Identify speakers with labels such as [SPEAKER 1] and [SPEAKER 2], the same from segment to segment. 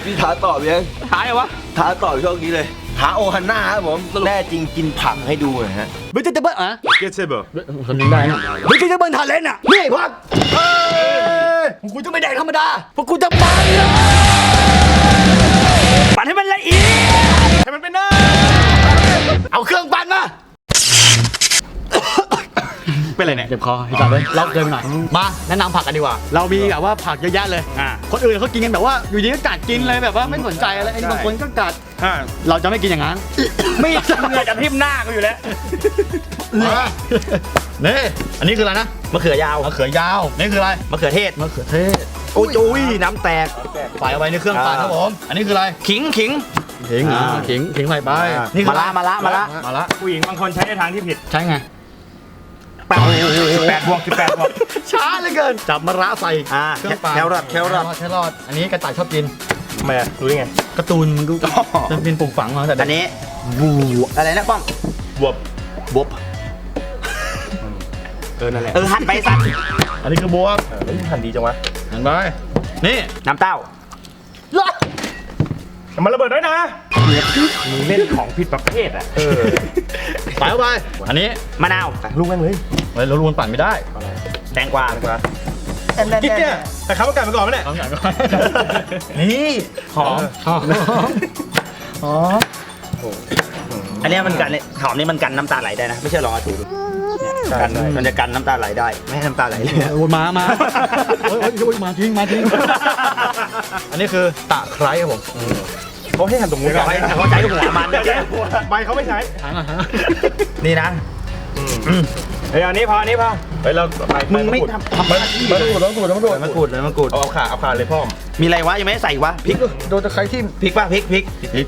[SPEAKER 1] พี่ท้าตอบยัง
[SPEAKER 2] ท้ายเหรอวะ
[SPEAKER 1] ท้าตอบช่วงนี้เลยท้าโอฮันน่าครับผมแน่จริงกินผักให้ดูหน่อยฮะ
[SPEAKER 2] เบจิเตเบิลอ่ะ
[SPEAKER 3] เกตเซเบอร์
[SPEAKER 2] คนนึงได้นะเบจิเตเบิลทาเลนต์อ่ะนี่พักกูจะไม่แดกธรรมดาเพราะกูจะปั่นเลยปั่นให้มันละเอียด
[SPEAKER 3] ให้มันเป็นหน้า
[SPEAKER 2] เอาเครื่องปั่นมาเป็นไรเนี่ยเจ็บคอให้จับเลยเราเกินไปหน่อยมาแนะนำผักกันดีกว่าเรามีแบบว่าผักเยอะแยะเลยคนอื่นเขากินกันแบบว่าอยู่ดีก็กัดกินเลยแบบว่าไม่สนใจอะไรไอ้บางคนก็กัดเราจะไม่กินอย่างนั้นไม่เหนื่อยจะทิ่มหน้ากูอยู่แล้วนี่อันนี้คืออะไรนะ
[SPEAKER 1] มะเขือยาว
[SPEAKER 2] มะเขือยาวนี่คืออะไร
[SPEAKER 1] มะเขือเทศ
[SPEAKER 2] มะเขือเทศ
[SPEAKER 1] โอ้ยน้ำแตก
[SPEAKER 2] ใส่เอาไว้ในเครื่องปั่นครับผมอันนี้คืออะไร
[SPEAKER 1] ขิง
[SPEAKER 2] ขิงใส่ไปนี่คือ
[SPEAKER 1] มาละ
[SPEAKER 3] ผู้หญิงบางคนใช้ในทางที่ผิด
[SPEAKER 2] ใช่ไง
[SPEAKER 3] 18 บวก 18 บวก
[SPEAKER 2] ช้าเหลือเกินจับมะระใส่เครื่องปั่น
[SPEAKER 1] แครอท
[SPEAKER 2] อันนี้กระต่ายชอบกิน
[SPEAKER 3] ทำไมอ่ะรู้ได้ไง
[SPEAKER 2] การ์ตูนมันก็จะเป็นปลูกฝังมาแต่
[SPEAKER 1] อันนี้อะไรนะป้อม
[SPEAKER 3] บวบบ
[SPEAKER 1] วบ
[SPEAKER 3] นั่นแหละ
[SPEAKER 1] หั่นไปสัตว์
[SPEAKER 2] อันนี้คือบวบ
[SPEAKER 3] หันดีจังวะ
[SPEAKER 2] เห็นไหมนี่
[SPEAKER 1] น้ำเต้า
[SPEAKER 3] มันระเบิดด้วยนะมึงเล่นของผิดประเภทอ่ะ
[SPEAKER 2] ใส่เข้าไปอันนี้
[SPEAKER 1] มะนาว
[SPEAKER 3] ลูกแม่งเลย
[SPEAKER 2] เฮ้ยเราลวนปั่นไม่ได้
[SPEAKER 1] แตงกวา
[SPEAKER 3] กิ๊กเนี่ยแต่ข้าวมันไก่มาก่อนไหมเนี่ย
[SPEAKER 2] เอาอย่างก่อนนี่หอม
[SPEAKER 1] อันนี้มันกันหอมนี่มันกันน้ำตาไหลได้นะไม่ใช่ลองเอาถูดูกันมันจะกันน้ำตาไหลได้ไม่ให้น้ำตาไหลเลย
[SPEAKER 2] โอ้ยมาโอ้ยมาทิ้งอันนี้คือตะไคร้ครับผม
[SPEAKER 3] เขาให้หั่นตรงนู้น
[SPEAKER 1] เขาใช้หัวมัน
[SPEAKER 3] ใบเขาไม่ใช้
[SPEAKER 1] นี่นะ
[SPEAKER 3] เฮ้ยอันนี้พอเฮ้ยเรา
[SPEAKER 1] มึงไม่ทำหน้าที่เลยมะกรูด
[SPEAKER 3] เอาขาเลยพ่อม
[SPEAKER 1] มีอะไรวะยังไม่ได้ใส่วะพริก
[SPEAKER 2] โดนตะไคร้ทิ่ม
[SPEAKER 1] พริกป่ะพริก
[SPEAKER 2] พริก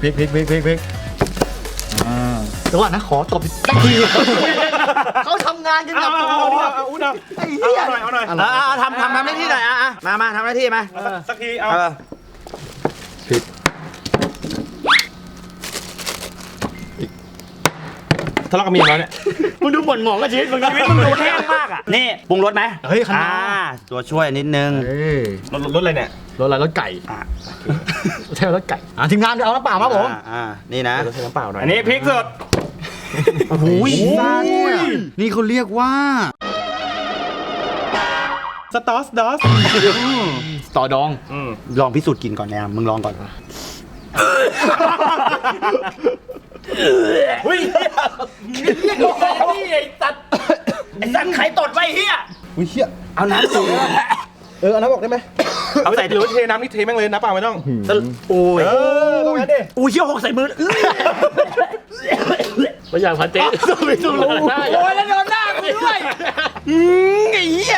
[SPEAKER 2] แต่ว่านะขอตบสักทีเขาทำงานกันแบบไอ้เหี้ย
[SPEAKER 3] เอาหน่อย
[SPEAKER 1] ทำหน้าที่หน่อยมาทำหน้าที่มา
[SPEAKER 3] สักทีเอาทะเลาะกับเมียแล้วเนี่ย
[SPEAKER 2] มึงดูหม่นหมองกับชีวิตมึง
[SPEAKER 1] ชีวิตมึงดูแห้งมากอ่ะนี่ปรุงรสไหม
[SPEAKER 2] เฮ้ยขนาด
[SPEAKER 1] ตัวช่วยนิดนึง
[SPEAKER 3] รถอะไรเนี่ย
[SPEAKER 2] รถอะไรรถไก่ใช่รถไก่ทีมงานเอาน้ำเปล่ามาผม
[SPEAKER 1] นี่นะ
[SPEAKER 3] รถใช้น้ำเปล่าหน่อยอันนี้พริกสด
[SPEAKER 2] โอ้โหนี่เขาเรียกว่า
[SPEAKER 3] สตอสดอส
[SPEAKER 2] ต่อดอง
[SPEAKER 1] ลองพิสูจน์กินก่อนนะมึงลองก่อน
[SPEAKER 3] อุ้ย
[SPEAKER 1] ไอ้สัตว์ไข่ตดไว้เฮีย
[SPEAKER 3] อุ้ยเฮีย
[SPEAKER 1] เอาน้ำสูง
[SPEAKER 3] เอาน้ำบอกได้ไหมเอาใส่หรือเทน้ำนี่เทแม่งเลยน้ำเปล่าไม่ต้อง
[SPEAKER 1] โอ้ย
[SPEAKER 3] ต้องงั้นดิ
[SPEAKER 1] อู้เชี่ยวหกใส่มือ
[SPEAKER 2] ไม่อยากพันเจ๊สู้ไม่สู้เลย
[SPEAKER 1] โอ้ยแล้วโดนหน้ากูด้วยไอ้เหี้ย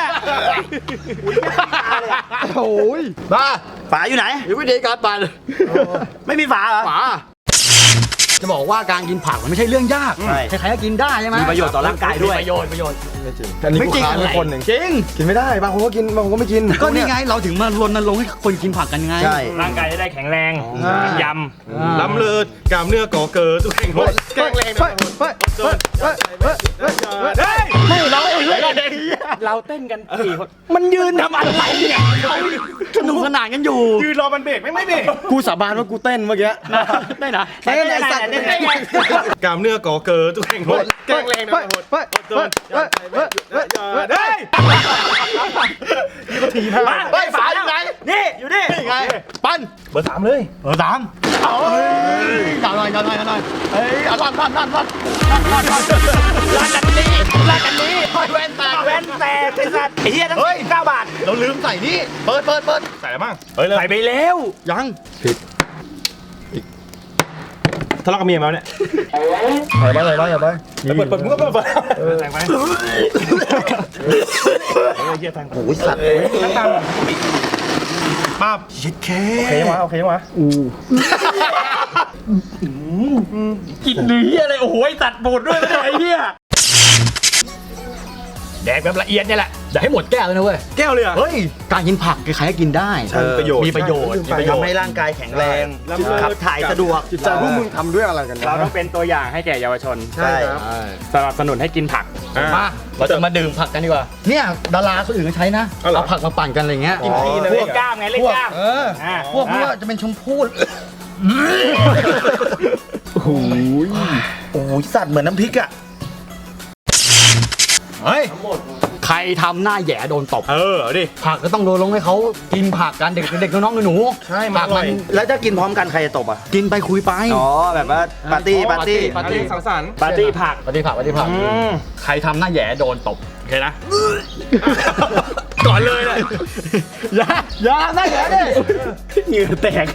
[SPEAKER 2] โอ้ยมา
[SPEAKER 1] ฝาอยู่ไหน
[SPEAKER 2] วิธีการปั่น
[SPEAKER 1] ไม่มีฝาเหรอ
[SPEAKER 2] ฝาจะบอกว่าการกินผักมันไม่ใช่เรื่องยาก
[SPEAKER 1] ใช่
[SPEAKER 2] ใครๆก็กินได้ใช่ไหม
[SPEAKER 1] มีประโยชน์ต่อร่างกายด้วย
[SPEAKER 2] ประโยชน์
[SPEAKER 3] อันนี้
[SPEAKER 2] ไม่จริง
[SPEAKER 3] ทุกคนหนึ่ง
[SPEAKER 2] จริง
[SPEAKER 3] กินไม่ได้บางคนก็กินบางคนก็ไม่กิน
[SPEAKER 2] ก็นี่ไงเราถึงมารณรงค์ให้คนกินผักกันไง
[SPEAKER 1] ใช่
[SPEAKER 3] ร่างกายจะได้แข็งแรงยำล้ำเลิศกล้ามเนื้อก่อเกิดทุกแข็งแรงแข็งแรงนะไม่เราเต้นกัน4 คนมันยืนทำอะไรเนี่ย
[SPEAKER 2] สนุกสนานกันอยู่
[SPEAKER 3] ยืนรอมันเบรกไม่เบรก
[SPEAKER 2] กูสาบานว่ากูเต้นเมื่อกี้ได้นะ
[SPEAKER 1] เต้นไอ้สัตว์เต้นไอ้
[SPEAKER 3] กล้ามเนื้อก่อเกิดทุกแข็งแรงนะได้นี่ก็ทีม
[SPEAKER 1] ฝาอยู่ไหนนี่อยู่นี่
[SPEAKER 2] ไงปั้น
[SPEAKER 3] เบอร์ 3เลย
[SPEAKER 2] เบอร์ 3อย่าหน่อยเฮ้ยลั่นลากันนี้แว่นแตก
[SPEAKER 1] แว่นแตกไอ้สัตว์ไอ้เหี้ยทั้ง9 บาท
[SPEAKER 2] เราลืมใส่นี่เปิด
[SPEAKER 3] ใส่อะไรบ้างเฮ้ยใส่ไปแล้ว
[SPEAKER 2] ยัง
[SPEAKER 3] ทะเลาะกับเมียมาเนี่ย
[SPEAKER 2] ใส่ไปอย่าไป
[SPEAKER 3] เปิดมึงก็เปิดใส่ไปเฮียทาง
[SPEAKER 1] โอ้ยสัตว์
[SPEAKER 3] ตั้งตังป้าบ
[SPEAKER 1] ชิดแค่
[SPEAKER 3] โอเคมา
[SPEAKER 2] กินเนื้ออะไรโอ้โหตัดบูดด้วยไอ้เหี้ยแดกแบบละเอียดเนี่ยแหละอย่าให้หมดแก้วเลยนะเว้ย
[SPEAKER 3] แก้วเลยอ่ะ
[SPEAKER 2] เฮ้ยการกินผักใครๆก็กินได้ มีประโยชน์
[SPEAKER 1] ทำให้ร่างกายแข็งแรงขับถ่ายสะดวก
[SPEAKER 4] จิตใจพวกมึงทำด้วยอะไรกัน
[SPEAKER 3] เราต้องเป็นตัวอย่างให้แก่เยาวชน
[SPEAKER 1] ใช่
[SPEAKER 3] สนับสนุนให้กินผัก
[SPEAKER 2] มาเราจะมาดื่มผักกันดีกว่าเนี่ยดาราคนอื่นก็ใช้นะ
[SPEAKER 3] เอาเหรอ
[SPEAKER 2] เอาผักมาปั่นกันอะไรเงี้ย
[SPEAKER 3] กินทีนะ
[SPEAKER 1] เล่นกล้ามไงเล่นกล้าม
[SPEAKER 2] พวกนี้จะเป็นชมพู่
[SPEAKER 1] โอ้ยสัตว์เหมือนน้ำพริกอ่ะ
[SPEAKER 2] เฮ้ยใครทำหน้าแหย่โดนตบ
[SPEAKER 3] เอาดิ
[SPEAKER 2] ผักก็ต้องโดนลงให้เขากินผักกันเด็กน้องๆหนูๆ
[SPEAKER 3] ใช่มันอร่อย
[SPEAKER 1] แล้วถ้ากินพร้อมกันใครจะตบอ่ะ
[SPEAKER 2] กินไปคุยไป
[SPEAKER 1] อ๋อแบบว่าปาร์ตี้
[SPEAKER 2] ปาร์ตี้
[SPEAKER 3] สังสรรค์
[SPEAKER 1] ปาร์ตี้ผัก
[SPEAKER 2] ปฏิผักใครทำหน้าแหย่โดนตบโอเคนะ
[SPEAKER 3] ก่อนเลยแหละ
[SPEAKER 2] อย่าหน้าแหย่ดิ
[SPEAKER 1] เหงื่อแตก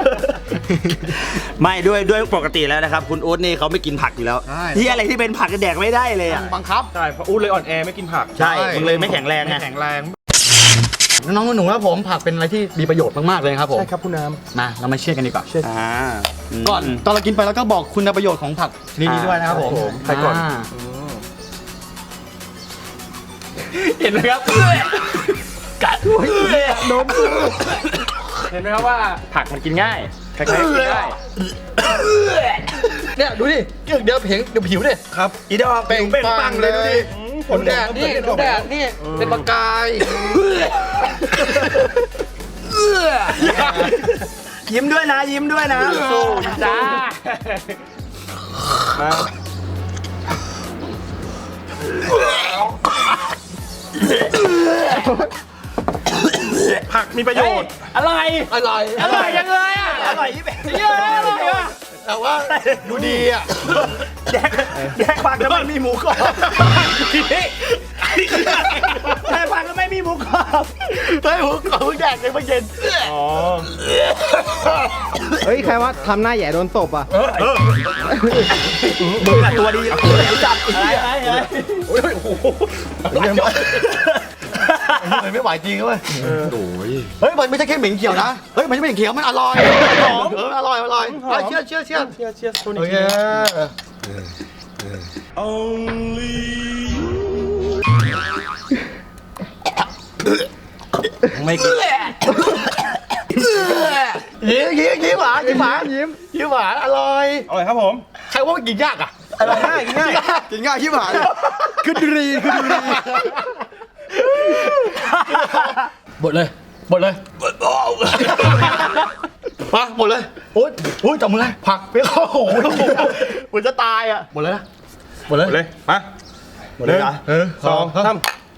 [SPEAKER 1] ไม่ด้วยปกติแล้วนะครับ คุณอุ๊ดนี่เขาไม่กินผักอยู่แล้วที่อะไรที่เป็นผักก็แดกไม่ได้เลยอ่ะ
[SPEAKER 2] บังคับ
[SPEAKER 3] ใช่เพราะอู้เลยอ่อนแอไม่กินผัก
[SPEAKER 1] ใช่มึงเลยไม่แข็งแรงไง
[SPEAKER 3] แข็งแรง
[SPEAKER 2] น้องๆหนูๆครับผมผักเป็นอะไรที่มีประโยชน์มากๆเลยครับผม
[SPEAKER 3] ใช่ครับคุณน้
[SPEAKER 2] มาเรามาเชื่อกันดีกว่า
[SPEAKER 1] อ่า
[SPEAKER 2] ก่อนตอนเรากินไปแล้วก็บอกคุณประโยชน์ของผักชนิดนี้ด้วยนะครับผม
[SPEAKER 3] ใครก่อน
[SPEAKER 2] เห็นไหมครับกัดโดน
[SPEAKER 3] เห็นไหมครับว่าผักมันกินง่ายใครๆก็กินได้
[SPEAKER 2] เนี่ยดูดิเดี๋ยวผิวดิ
[SPEAKER 3] ครับ
[SPEAKER 1] อีดอกเป่งปังเลยดูดิ
[SPEAKER 3] ผลแดดนี่
[SPEAKER 2] ดูแดดนี่เป็นประกาย
[SPEAKER 1] ยิ้มด้วยนะยิ้มด้วยนะสู้จ้า
[SPEAKER 3] ผักมีประโยชน์
[SPEAKER 1] อะไร
[SPEAKER 2] อร่อย
[SPEAKER 1] อร่อยจังเลยอ่ะอร่อยยี่เป็นเยอะอร่อยอ่ะ
[SPEAKER 2] แต่ว่าดูดีอ่ะ
[SPEAKER 1] แดกผักแล้วไม่มีหมูกรอบแดกผักแล้วไม่มีหมูกรอบ
[SPEAKER 2] เฮ้ยผมขอแดกเลยเมื่อเย็น
[SPEAKER 3] อ๋อ
[SPEAKER 4] เฮ้ย ใครว่าทำหน้าแหย่โดนตบอ่ะ
[SPEAKER 1] มึงอะตัวดีจัดอะไร
[SPEAKER 3] โอ้ยโอ้โห
[SPEAKER 2] ไม่ไหวจริงเว้ยเฮ้ยมันไม่ใช่แค่เหม็นเขียวนะเฮ้ยมันไม่เหม็นเขียวมันอร่อยอร่อยเชื่อ
[SPEAKER 3] เชียร์ตัวนี้
[SPEAKER 2] โอเค
[SPEAKER 1] ไม่กิน
[SPEAKER 2] ยิ้มหวานอร่อย
[SPEAKER 3] อร่อยครับผม
[SPEAKER 2] ใครว่ามันกินยากอ่ะ
[SPEAKER 3] อร่อยง่ายกินง่าย
[SPEAKER 2] กินง่ายยิ้มหวานคือดีหมดเลยมาหมดเลยโอ๊ยจับมือเลยผักไปเข้าหูเหมือนจะตายอ่ะหมดเลยนะหมดเลย
[SPEAKER 3] เลยมา
[SPEAKER 2] หมดเลยนะ
[SPEAKER 3] สองสาม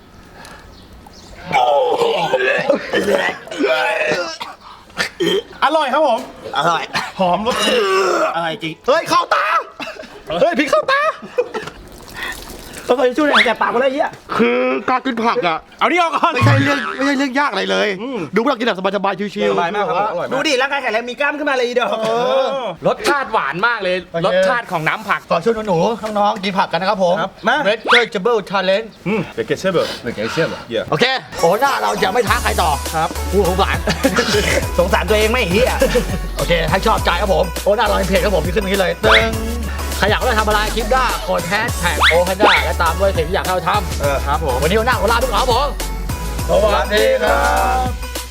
[SPEAKER 3] อร่อยครับผม
[SPEAKER 1] อร่อย
[SPEAKER 3] หอมรส
[SPEAKER 1] อร่อยจริง
[SPEAKER 2] เฮ้ยเข้าตาเฮ้ยพริกเข้าตา
[SPEAKER 1] ต้องไปช่วยหน่อยแต่ปากก็ได้เหี้ย
[SPEAKER 2] คือการกินผักอ่ะ
[SPEAKER 3] เอานี่ออกก่อน
[SPEAKER 2] ไม่ใช่เรื่องยากอะไรเลยดูพวกเรากินแบบสบายๆชิว
[SPEAKER 3] สบายมากครับอร่อย
[SPEAKER 1] ดู
[SPEAKER 3] มาก
[SPEAKER 1] ดิร่างกายแข็งแรงมีกล้ามขึ้นมาเลยอีดอก
[SPEAKER 5] รสชาติหวานมากเลย รสชาติของน้ำผัก
[SPEAKER 2] ขอชวนหนูๆน้องๆกินผักกันนะครับผม
[SPEAKER 3] ครับมา
[SPEAKER 2] Red Vegetable Challenge
[SPEAKER 3] เดี๋ยวเกเชอร์เบิร์ก
[SPEAKER 2] ไม่เกี่ยวเชื่อม
[SPEAKER 3] เยี่ย
[SPEAKER 2] โอเคโอ้หน้าเราจะไม่ท้าใครต่อ
[SPEAKER 3] ครับ
[SPEAKER 2] พูดของหวาน
[SPEAKER 1] สงสารตัวเองไม่เหี้ย
[SPEAKER 2] โอเคให้ชอบใจครับผมโอ้หน้าเราในเพจครับผมมีขึ้นตรงนี้เลยตึ้งใครอยากได้ทำอะไรคลิปได้กดแฮชแท็กโอคันด้าและตามด้วยสิ่งที่อยากให้เราท
[SPEAKER 3] ครับผม
[SPEAKER 2] ำวันนี้วันหน้าขอลาทุกคนครับผมสวัสดีครับ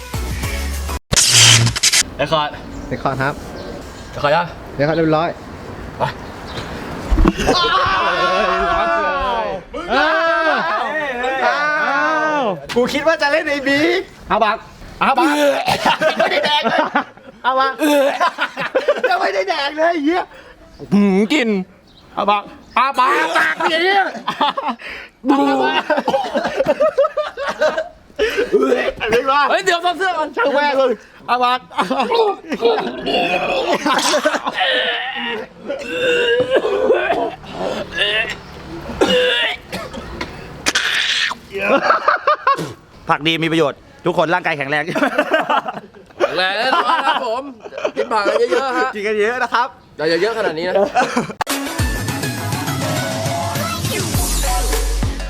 [SPEAKER 2] เรคคอร์ด
[SPEAKER 4] เรคคอร์ดครับ
[SPEAKER 2] เรคคอร์ดยัง
[SPEAKER 4] เรคคอร์ดเรียบร้อย
[SPEAKER 2] กูคิดว่าจะเล่นไอ้บิ๊กเอาบักไม่ได้แดงเลยเอาบักจะไม่ได้แดงเลยไอ้เหี้ย
[SPEAKER 5] กิน
[SPEAKER 2] เอาบักอาบักปากอย่างเงี้ยอะไรวะ
[SPEAKER 5] เฮ้ย เดี๋ยวเสื้อมัน
[SPEAKER 2] ช่างแม่งเลยอาบัก
[SPEAKER 1] ผักดีมีประโยชน์ ทุกคนร่างกายแข็งแรง
[SPEAKER 5] แรงแน่นอนครับผม กินผักเยอะๆฮะ
[SPEAKER 1] กินกันเยอะนะครับ
[SPEAKER 5] อย่าเยอะขนาดนี้นะ